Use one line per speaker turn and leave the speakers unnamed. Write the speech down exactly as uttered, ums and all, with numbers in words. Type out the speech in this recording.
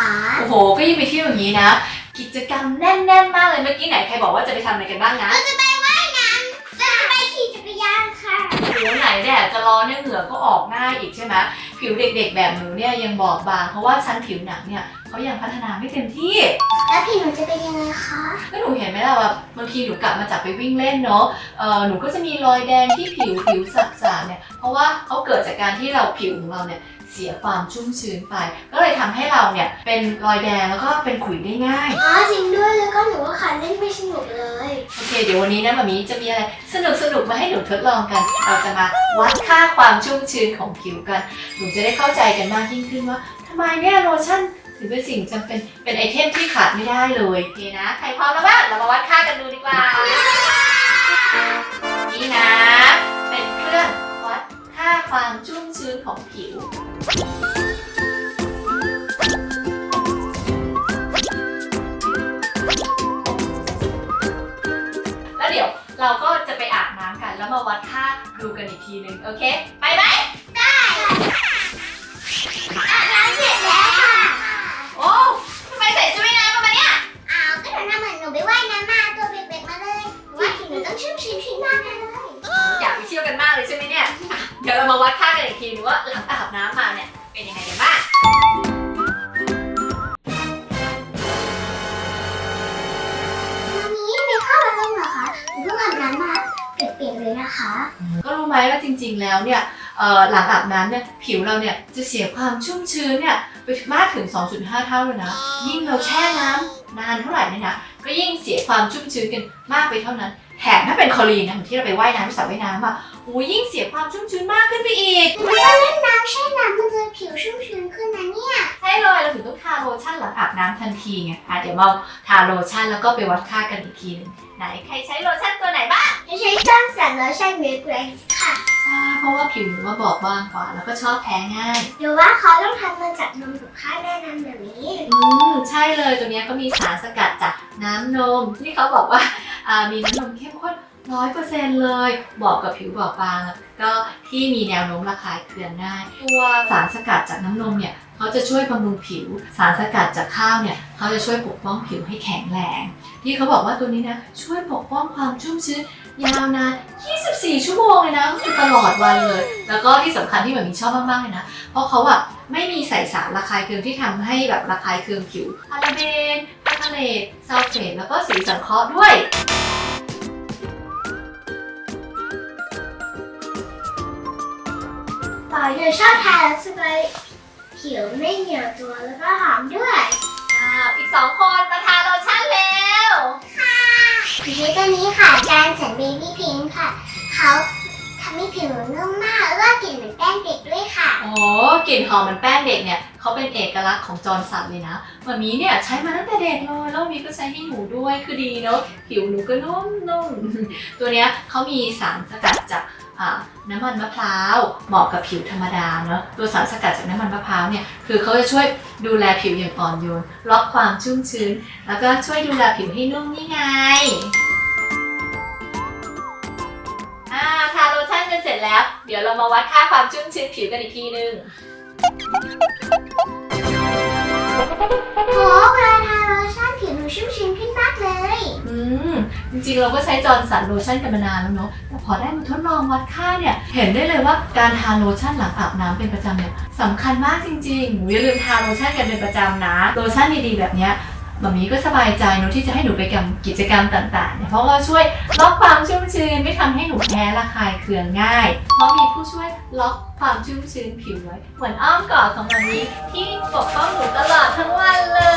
คะ
โอ้โหก็ยิ่งไปเที่ยวอย่างนี้นะกิจกรรมแน่นๆมากเลยเมื่อกี้ไหนใครบอกว่าจะไปทำอะไรกันบ้างนะ
เราจะไปว่ายน้ำจะไปขี่จักรยานค่ะ
ผิวไหนแดดจะร้อนเนี่ยเหงื่อก็ออกง่ายอีกใช่ไหมผิวเด็กๆแบบหนูเนี่ยยังบอบบางเพราะว่าชั้นผิวหนังเนี่ยเขายังพัฒนาไม่เต็มที่
แล้วผิวหนูจะเป็นยังไงคะ
ก็หนูเห็นไหมล่ะว่าบางทีหนูกลับมาจากไปวิ่งเล่นเนาะเออหนูก็จะมีรอยแดงที่ผิวผิวสักๆเนี่ยเพราะว่าเขาเกิดจากการที่เราผิวของเราเนี่ยเสียความชุ่มชื้นไปก็เลยทำให้เราเนี่ยเป็นรอยแดงแล้วก็เป็นขุยได้ง่าย
อ๋อจริงด้วยแล้วก็หนูว่าขาเล่นไม่สนุกเลย
โอเคเดี๋ยววันนี้นะมามีจะมีอะไรสนุกสนุกมาให้หนูทดลองกันเราจะมาวัดค่าความชุ่มชื้นของผิวกันหนูจะได้เข้าใจกันมากยิ่งขึ้นว่าทำไมเนี่ยโลชั่นถือเป็นสิ่งจำเป็นเป็นไอเทมที่ขาดไม่ได้เลยโอเคนะใครพร้อมแล้วบ้างเรามาวัดค่ากันดูดีกว่านี่นะเป็นเครื่องวัดค่าความชุ่มชื้นของผิวแล้วเดี๋ยวเราก็จะไปอาบน้ำกันแล้วมาวัดค่าดูกันอีกทีนึงโอเคไปไหม
ได้อาบน้ำเสร็จแล้วค่ะ
โอ้ทำไมใส่ชุดว่ายน้ำมาเนี่ย
อ้าวก็หนูทำเหมือนหนูไปว่ายน้ำมาตัวเปียกๆมาเลยว่าผิวหนูต้องชุ่มชื้นขึ้นมากเลย
อยากไปเที่ยวกันมากเลยใช่ไหมเนี่ยเดี๋ยวเรามาวัดค่ากันอีกทีนึงว่าหลังอาบน้ำมาเนี่ยเป็นยังไงกันบ้าง
วันนี้ไปเข้ามาเล่นเหรอคะหนูเพิ่งอาบน้ำมาเปียกๆเลยนะคะ
ก็รู้ไหมว่าจริงๆแล้วเนี่ยหลังอาบน้ำเนี่ยผิวเราเนี่ยจะเสียความชุ่มชื้นเนี่ยไปมากถึง สองจุดห้า เท่าเลยนะยิ่งเราแช่น้ำนานเท่าไหร่เนี่ยนะก็ยิ่งเสียความชุ่มชื้นกันมากไปเท่านั้นแถมถ้าเป็นคลอรีนนะเหมือนที่เราไปว่ายน้ำที่สระว่ายน้ำอ่ะโอ้ยิ่งเสียความชุ่มชื้นมากขึ้นไปอีก
หนูว่าเล่นน้ำแช่น้ำมันจะผิวชุ่มชื้นขึ้นนะเนี่ย
ใช่เลยเราถึงต้องทาโลชั่นหลังอาบน้ำทันทีไงอ่ะเดี๋ยวมาทาโลชั่นแล้วก็ไปวัดค่ากันอีกทีนึงไหนใครใช้โลชั่นตัวไหนบ้าง
ใช้จ้างสันโลชั่นเวกเรนค่ะ
ใช่เพราะว่าผิวหนูว่าบอบบางกว่าแล้วก็ชอบแพ้ง่าย
หรือว่าเขาต้องทำมาจากนมถูกค่าแน่นอนแบบนี้
อืมใช่เลยตัวนี้เขามีสารสกัดจากน้ำนมที่เขาบอกว่าอ่ามีน้ำนมเข้มข้นร้อยเปอร์เซ็นต์เลยบอกกับผิวบอบบางก็ที่มีแนวโน้มระคายเคืองง่ายตัวสารสกัดจากน้ำนมเนี่ยเขาจะช่วยบำรุงผิวสารสกัดจากข้าวเนี่ยเขาจะช่วยปกป้องผิวให้แข็งแรงที่เขาบอกว่าตัวนี้นะช่วยปกป้องความชุ่มชื้นยาวนานยี่สิบสี่ชั่วโมงเลยนะคือตลอดวันเลยแล้วก็ที่สำคัญที่แบบมีชอบมากๆเลยนะเพราะเขาอะไม่มีใส่สารระคายเคืองที่ทำให้แบบระคายเคืองผิวพาราเบนพาราเลตซัลเฟตแล้วก็สีสังเคราะห์ด้วย
ต่อหนูชอบทาแล้วสบายผิวไม่เหนียวตัวแล้วก็หอมด้วย
อ้าวอีกสองคนมาทาโลชั่นแล้ว
ค่ะสีตัวนี้ค่ะจานสันเบบี้พิงค์ค่ะเขาทำให้ผิวนุ่มมากแล้วก็กลิ่นเหมือนแป้งเด็กด้วยค่ะ
โอ้กลิ่นหอมเหมือนแป้งเด็กเนี่ยเขาเป็นเอกลักษณ์ของจอร์นสันเลยนะวันนี้เนี่ยใช้มาตั้งแต่เด็กเลยแล้วมีก็ใช้ให้หนูด้วยคือดีเนาะผิวหนูก็นุ่มๆตัวเนี้ยเขามีสารสกัดจากน้ำมันมะพร้าวเหมาะกับผิวธรรมดาเนาะตัวสารสกัดจากน้ำมันมะพร้าวเนี่ยคือเขาจะช่วยดูแลผิวอย่างอ่อนโยนล็อกความชุ่มชื้นแล้วก็ช่วยดูแลผิวให้นุ่มนี่ไงอ่าทาโลชั่นกันเสร็จแล้วเดี๋ยวเรามาวัดค่าความชุ่มชื้นผิวกันอีกทีนึง
โหเวลาทาโลชั่นผิวหนูชุ่มชื้นขึ้นมากเลย
อืมจริงๆเราก็ใช้จอร์นสันโลชั่นกันมานานแล้วเนาะแต่พอได้มาทดลองวัดค่าเนี่ยเห็นได้เลยว่าการทาโลชั่นหลังอาบน้ำเป็นประจำเนี่ยสำคัญมากจริงๆหนูอย่าลืมทาโลชั่นกันเป็นประจำนะโลชั่นดีๆแบบเนี้ยแบบนี้ก็สบายใจเนาะที่จะให้หนูไปกับกิจกรรมต่างๆเนี่ยเพราะว่าช่วยล็อกความชุ่มชื้นไม่ทำให้หนูแพ้ระคายเคืองง่ายเพราะมีผู้ช่วยล็อกความชุ่มชื้นผิวไว้เหมือนอ้อมกอดของแบบนี้ที่ปกป้องหนูตลอดทั้งวันเลย